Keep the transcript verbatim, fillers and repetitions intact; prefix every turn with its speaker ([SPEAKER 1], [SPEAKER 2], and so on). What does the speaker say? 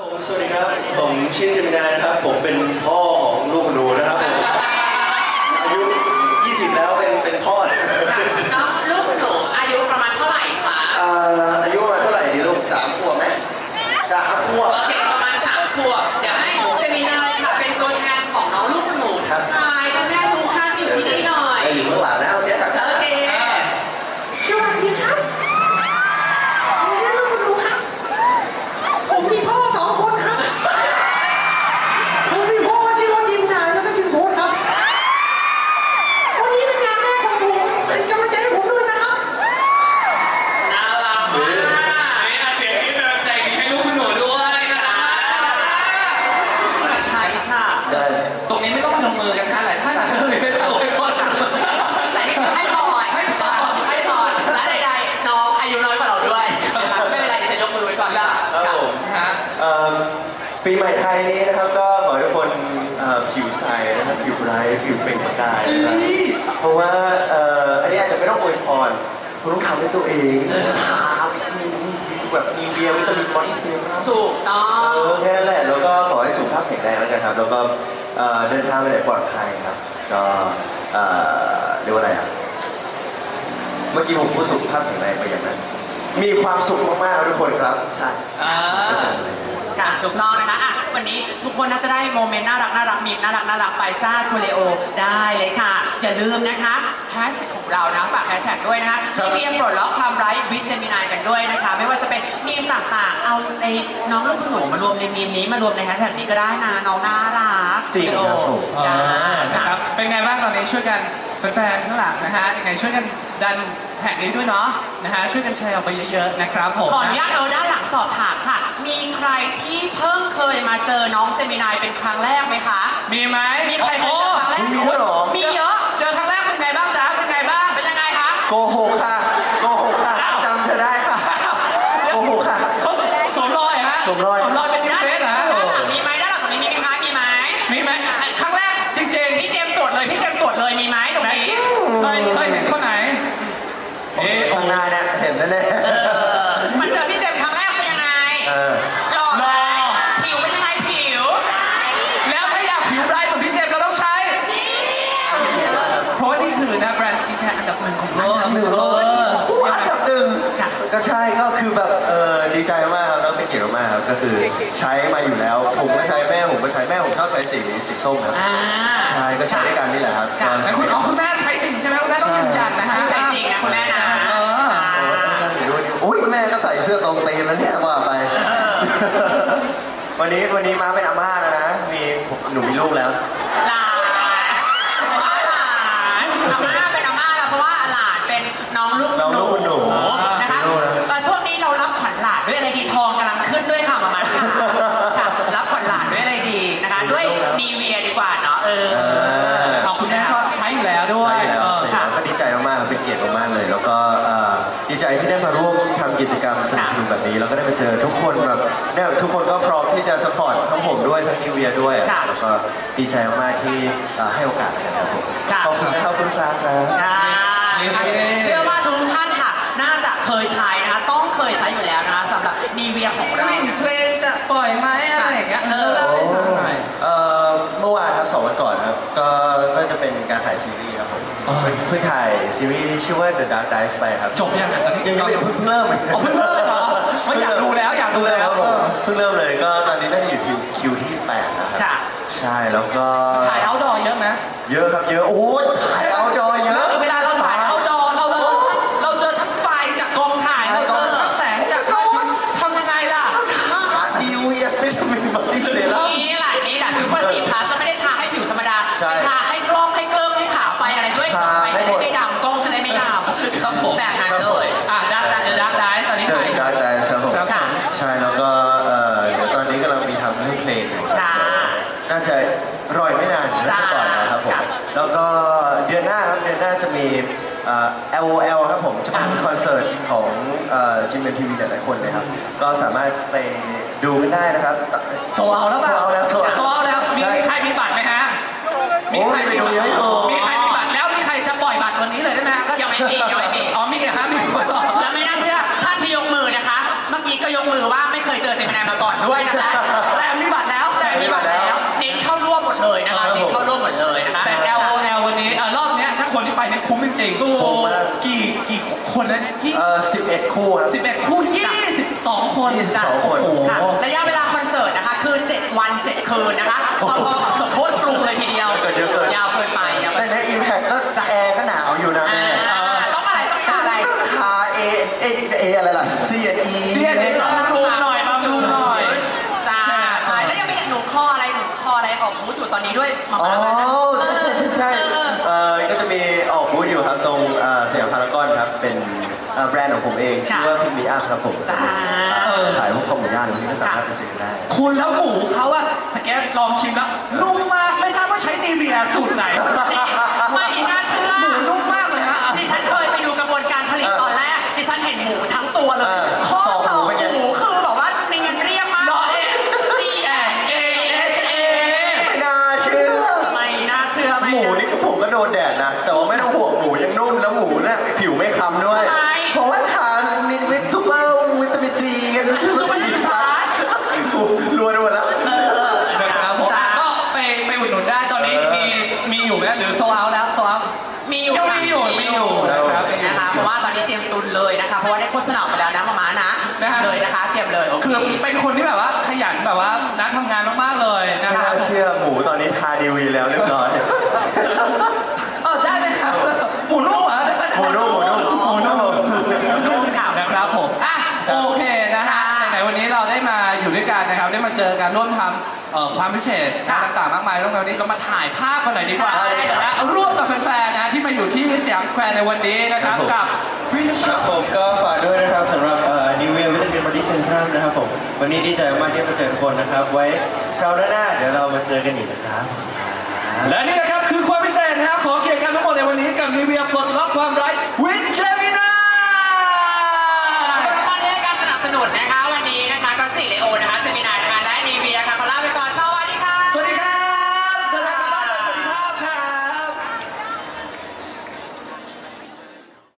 [SPEAKER 1] ผมสวัสดีครับผมชื่อเจมินานะครับผมเป็นพ่อของลูกหนูนะครับผมอายุยี่สิบแล้วเป็นเป็นพ่อ
[SPEAKER 2] น้องลูกหนูอายุประมาณเท่าไหร่คะ
[SPEAKER 1] อ่าอายุประมาณเท่าไหร่ดีลูกสามขวบไหมสามขวบ
[SPEAKER 2] โอเคประมาณสามขวบเดี๋ยวให้เจมินาค่ะเป็นตัวแทนของน้องลูกหนูทักทายพ่อแม่ทุกท่านที่อยู่ที่นี่หน่อย
[SPEAKER 1] อยู่ข้างหลังนะโอเคทักทาย
[SPEAKER 2] โอเค
[SPEAKER 3] สวัสดีครับผมชื่อลูกหนูครับผมมีพ่อสองคนครับผมมีพ่อชื่อว่าจิมนายแล้วก็ชื่อโพสครับวันนี้เป็นงานแรกของผมเป็นกำลังใจให้ผมด้วยนะครับ
[SPEAKER 2] น่ารักมากนี่นะเสียงที่กำลังใจดีให้ลูกคุณหนูด้วยนะคะใช่ค่ะ
[SPEAKER 1] ได้
[SPEAKER 4] ตรงนี้ไม่ต้องมาลงมือกันนะหลายท่านอาจจะไม่ได้โวยพร
[SPEAKER 2] แต่นี่คือให้พรให้พรให้พรและใดๆน้องอายุน้อยกว่าเราด้วยนะคะไม่เป็นไรฉันยกมือไว้ก่อนละ
[SPEAKER 1] ครับผม
[SPEAKER 4] ฮะ
[SPEAKER 1] ปีใหม่ไทยนี้นะครับก็ขอให้ทุกคนผิวใสนะครับผิวไร้ผิวเปล่งประกายนะครับเพราะว่าอันนี้อาจจะไม่ต้องอวยพรคุณต้องทำด้วยตัวเองทาวิตามินแบบมีเบียร์วิตามินบอดี้เซรั่ม
[SPEAKER 2] ถูกต้อง
[SPEAKER 1] เออแค่นั้นแหละแล้วก็ขอให้สุขภาพแข็งแรงแล้วกันครับแล้วก็เดินทางไปไหนปลอดภัยครับก็เรียกว่าอะไรอ่ะเมื่อกี้ผมพูดสุขภาพแข็งแรงไปอย่างนั้นมีความสุขมากๆทุกคนครับใช่
[SPEAKER 2] ค่ะถูกต้องนะคะอ่ะวันนี้ทุกคนน่าจะได้โมเมนต์น่ารักน่ารักมีน่ารักน่ารักไปจ้าโคเลโอได้เลยค่ะอย่าลืมนะคะแฮชแท็กของเรานะฝากแฮชแท็กด้วยนะคะที่มีปลดล็อกความไร้วิตเจมินายกันด้วยนะคะไม่ว่าจะเป็นมีมต่างๆเอาในน้องลูกคุณหนูมารวมในมีมนี้มารวมในแฮชแท็กนี้ก็ได้นะน้องน่ารัก
[SPEAKER 1] จริงครับผม
[SPEAKER 2] จ้า
[SPEAKER 4] ครับเป็นไงบ้างตอนนี้ช่วยกันแฟนๆข้างหลังนะฮะยังไงช่วยกันดันแท็กนี้ด้วยเนาะนะฮะช่วยกันแชร์ออกไปเยอะๆนะครับผม
[SPEAKER 2] ขออนุญาตเออด้านหลังสอบถามค่ะมีใครที่เพิ่งเคยมาเจอน้องเจมินายเป็นครั้งแรกไหมคะ
[SPEAKER 4] มีไหม
[SPEAKER 2] มีใครเคยเจอครั้งแรก
[SPEAKER 1] มีด้วยหรอ
[SPEAKER 2] มีเยอะ
[SPEAKER 4] เจอครั้งแรกเป็นไงบ้างจ๊ะเป็นไงบ้าง
[SPEAKER 2] เป็นยังไงคะ
[SPEAKER 1] โกหกค่ะโกหกค่ะจำเธอได้ค่ะโกหกค่ะ
[SPEAKER 4] เขาสวมรอยฮะ
[SPEAKER 1] สวมรอย
[SPEAKER 4] สวมรอยเป็นดิเซสนะ
[SPEAKER 2] ด้านหลังมีไหมด้านหลังตรงนี้มีไหมคะมีไหม
[SPEAKER 4] มีไหมครั้งแรกจริงๆ
[SPEAKER 2] พี่เจมตรวจเลยพี่เจมตรวจเลยมีไหมตรงนี้
[SPEAKER 4] เคยเคยเห็นคนไหน
[SPEAKER 1] เอ๊ะข้างหน้าเนี่ยเห็นแน่
[SPEAKER 2] ๆมันเจอพี่เจมครั้งแรกเป็นยังไงหล่อไหมผิวเป็นยังไงผิว
[SPEAKER 4] แล้วถ้าอยากผิวไบรท์เหมือนพี่เจมเราต้องใช้เพราะนี่คือนะแบรนด์สกินแคร์อันดับหนึ่งของโลก
[SPEAKER 1] อันดับหนึ่งเลยอันดับหนึ่งก็ใช่ก็คือแบบเออดีใจมากครับแล้วเป็นเกียรติมากครับก็คือใช้มาอยู่แล้วผมก็ใช้แม่ผมก็ใช้แม่ผมชอบใช้สีสีส้มครับใช่ก็ใช้ด้วยกันนี่แหละครับ
[SPEAKER 4] แต่คุณอ๋อคุณแม่ใช้จริงใช่ไหมคุณแม่ต้องยืนยันนะฮะ
[SPEAKER 2] ใช้จริงนะคุณแม่นะ
[SPEAKER 1] อุ้ยแม่ก็ใส่เสื้อตรงตีมแล้วเนี่ยว่าไปวันนี้วันนี้มาเป็นอาม่าแล้วนะมีหนูมีลูกแล้ว
[SPEAKER 2] หลานหลานอาม่าเป็นอาม่าแล้วเพราะว่าหลานเป็นน้องลูก
[SPEAKER 1] น้องลูกหนู
[SPEAKER 2] นะคะช่วงนี้เรารับขวัญหลานด้วยอะไรดีทองกำลังขึ้นด้วยค่ะมามาค่ะรับขวัญหลานด้วยอะไรดีนะคะด้วยนีเวียดีกว่าเนาะเออ
[SPEAKER 4] ขอบคุณแม่ก็ใช้อยู่แล้วด้วย
[SPEAKER 1] ใช่แล้วก็ดีใจมากๆเป็นเกียรติมากๆเลยแล้วก็ดีใจที่ได้มาร่วมทำกิจกรรมสนุกๆแบบนี้แล้วก็ได้มาเจอทุกคนแบบเนี่ยทุกคนก็พร้อมที่จะสปอร์ตทั้งผมด้วยทั้งนิวเวียด้วยแล้วก็ดีใจมากๆที่ให้โอกาสกันครับผมขอบคุณนะครับคุณฟ้าครับ
[SPEAKER 2] เชื่อว่าทุกท่านค่ะน่าจะเคยใช้นะคะต้องเคยใช้อยู่แล้วนะคะสำหรับนีเวียของเรา
[SPEAKER 4] เพลงจะปล่อยไหมอะไรอย่างเงี้ยเออเล่าให้ฟังหน่อย
[SPEAKER 1] เมื่อวานครับสองวันก่อนครับก็ก็จะเป็นการถ่ายซีรีส์ครับผมเพิ่งถ่ายซีรีส์ชื่อว่า The Dark Dice ไปครับ
[SPEAKER 4] จบยังไงตอนนี้
[SPEAKER 1] ยังไม่เพิ่งเริ่ม
[SPEAKER 4] เพิ่งเริ่มเลยเหรอไม่อยากดูแล้วอยากดูแล้ว
[SPEAKER 1] เพิ่งเริ่มเลยก็ตอนนี้น่าจะอยู่คิวคิวที่แปดนะครับใช่แล้วก็
[SPEAKER 4] ถ่ายเอาท์ดอร์เยอะไหม
[SPEAKER 1] เยอะครับเยอะโอ้ยถ่ายเอาท์ดอร์เยอะ
[SPEAKER 4] เวลาเราถ่ายเอาท์ดอร์เราเจอเราเจอทั้งไฟจากกองถ่ายเราเจอทั้งแสงจากทำยังไงล่ะ
[SPEAKER 1] ดิวยังไม่ทำเป็นบอดี้เซรั่ม
[SPEAKER 2] นี่แหละนี่แหละซูเปอร์ซีพลัสจะไม่ได้ทาให้ผิวธรรมดาทาให้กล้องให้เกลิ้มให้ขาวไปอะไรด้วยไปจะได้ไม่ดำกล้องจะได้ไม่ดำ
[SPEAKER 4] ครับผม
[SPEAKER 2] แบบนั้นเลย
[SPEAKER 4] อ่ะดักดักดักได้ตอนนี้ถ่าย
[SPEAKER 1] ดักได้ครับผมใช่แล้วก็เดี๋ยวตอนนี้กำลังมีทำเรื่องเพลงน่าจะรอยไม่นานน่าจะปล่อยนะครับผมแล้วก็เดือนหน้าครับเดือนหน้าจะมี แอล โอ แอล ครับผมจะเป็นคอนเสิร์ตของจิมเมนทีวีหลายๆคนเลยครับก็สามารถไปดูกันได้นะครับ
[SPEAKER 4] โซเอาแล้วป่ะ
[SPEAKER 1] โซเอาแล้วโซ
[SPEAKER 4] เอาแล้วมีใครมีบัตรไหมฮะ
[SPEAKER 1] มีใครไปดูเยอะอยู่
[SPEAKER 4] มีใครมีบัตรแล้วมีใครจะปล่อยบัตรวันนี้เลยได้ไหม
[SPEAKER 2] ก็ยังไม่มียังไม่มี
[SPEAKER 4] อ๋อมีเหรอฮะมีคนบอก
[SPEAKER 2] แล้วไม่น่าเชื่อท่านที่ยกมือนะคะเมื่อกี้ก็ยกมือว่าไม่เคยเจอเจมินายมาก่อนด้วยนะคะ
[SPEAKER 4] ไปเนี่ยคุ้มจริงๆ
[SPEAKER 2] ถูก
[SPEAKER 1] คุ้มมาก
[SPEAKER 4] กี่กี่คนนะยี่
[SPEAKER 1] เอ่อสิบเอ็ดคู่ครับ
[SPEAKER 4] สิบเอ็ดคู่ยี่สิบสองคน
[SPEAKER 1] ยี่สิบสองคน
[SPEAKER 4] โอ้โห
[SPEAKER 2] ค่ะระยะเวลาคอนเสิร์ตนะคะคือเจ็ดวันเจ็ดคืนนะคะพอๆกับสมโภชกรุงเลยทีเดียว
[SPEAKER 1] เกิดเยอะเกิน
[SPEAKER 2] ยาวเกินไปยาว
[SPEAKER 1] แต่
[SPEAKER 2] เกินไป
[SPEAKER 1] ในอิมแพคก็แอร์ก็หนาวอยู่นะ
[SPEAKER 2] อ่า
[SPEAKER 1] แม่
[SPEAKER 2] ต้องอะไรต้องการอะไร
[SPEAKER 1] คาเอเอเออะไรล่ะ C E
[SPEAKER 4] เสียเด็กบำรุงหน่อยบำรุงหน่อย
[SPEAKER 2] จ้า
[SPEAKER 4] ใช่
[SPEAKER 2] ใช่แล้วยังมีหนูคออะไรหนูคออะไรออกบูธอยู่ตอนนี้ด้วยมา
[SPEAKER 1] อ๋อ
[SPEAKER 2] มาแล้วนะ
[SPEAKER 1] ใช่ใช่ใช่ใช่
[SPEAKER 2] เออ
[SPEAKER 1] เอ่อก็จะมีออกบูธอยู่ครับตรงเอ่อสยามพารากอนครับ เป็นเอ่อแบรนด์ของผมเอง ชื่อว่าพิมพ์มีอัพครับผม
[SPEAKER 2] จ้า
[SPEAKER 1] เอ่อขายพวกข้าวหมูย่างที่ก็สามารถไปซื้อได้
[SPEAKER 4] คุณแล้วหมูเขาอะแต่แกลองชิมแล้วนุ่มมากไม่ทราบว่าใช้นีเวียสูตรไหน
[SPEAKER 2] นี่ไม่น่าเชื่อ
[SPEAKER 4] หมูนุ่มมากเลยฮะ
[SPEAKER 2] ดิฉันเคยไปดูกระบวนการผลิตตอนแรกดิฉันเห็นหมูทั้งตัวเลย
[SPEAKER 1] เออ
[SPEAKER 2] ข้อ
[SPEAKER 1] สอง
[SPEAKER 2] ส
[SPEAKER 1] หมู
[SPEAKER 2] อง
[SPEAKER 1] เป็นไง
[SPEAKER 2] หมูคือแบบว่าเนียนเรียบมาก
[SPEAKER 4] รอเอ็
[SPEAKER 2] C N A H A
[SPEAKER 1] ไม่น่าเชื่อ
[SPEAKER 2] ไม่น่าเชื่อไม่
[SPEAKER 1] หมูนี่ก็ผมก็โดนแดดนะ แต่ว่าไม่ต้องห่วงหมูยังนุ่มแล้วหมูเนี่ยผิวไม่คล้ำด้วย เพราะว่าทานมินวิตซูเปอร์วิตามินซีกันแล้วที่มันสีฟ้ากูรัวๆแล้ว
[SPEAKER 4] นะครับผมก็ไปไปอุดหนุนได้ตอนนี้
[SPEAKER 1] เออ
[SPEAKER 4] มีมีอยู่แล้วหรือโซเอาแล้วโซเอา
[SPEAKER 2] มีอยู่
[SPEAKER 4] ยัง
[SPEAKER 2] ค่ะ
[SPEAKER 4] มีอยู่มีอยู่นะครับมีอยู่
[SPEAKER 2] นะคะเพราะว่าตอนนี้เตรียมตุนเลยนะคะเพราะว่าได้โฆษณาไปแล้วนะมามานะ
[SPEAKER 4] นะฮะ
[SPEAKER 2] เลยนะคะเตรียมเลยโอเค
[SPEAKER 4] คือเป็นคนที่แบบว่าขยันแบบว่านักทำงานมากๆเลยนะ
[SPEAKER 1] ไม่
[SPEAKER 4] ครั
[SPEAKER 1] น่า
[SPEAKER 4] บ
[SPEAKER 1] เชื่อหมูตอนนี้ทาดีวีแล้วเรียบร้อย
[SPEAKER 4] เออได้ไหมครับหมูนุ่มเหรอ
[SPEAKER 1] หมูนุ่มหมูนุ่มหมูนุ่ม
[SPEAKER 2] นุ่มค่ะ
[SPEAKER 4] นะครับผมอ่ะโอเคนะฮะไหนๆวันนี้เราได้มาอยู่ด้วยกันนะครับได้มาเจอกันร่วมทำเอ่อความพิเศษต่างๆมากมายร่วมกันวันนี้เรามาถ่ายภาพกันหน่อยดีกว่า
[SPEAKER 2] ได้เลย
[SPEAKER 4] นะร่วมกับแฟนๆนะที่มาอยู่ที่สยามสแควร์ในวันนี้นะครับกับพิธี
[SPEAKER 1] ครับผมก็ฝากด้วยนะครับสำหรับนิวเวียวิตามินบอดี้เซนทรัมนะครับผมวันนี้ดีใจมากที่มาเจอทุกคนนะครับ ไว้คราวหน้าๆเดี๋ยวเรามาเจอกันอีกนะครับ
[SPEAKER 4] และนี่นะครับคือความพิเศษนะครับของเกียรติการทั้งหมดในวันนี้กับนิเวียปลดล็อกความไร้วินเจมินา
[SPEAKER 2] ขอบคุณที่ให้การสนับสนุนนะคะวันนี้นะคะก็สิเลโอนะคะ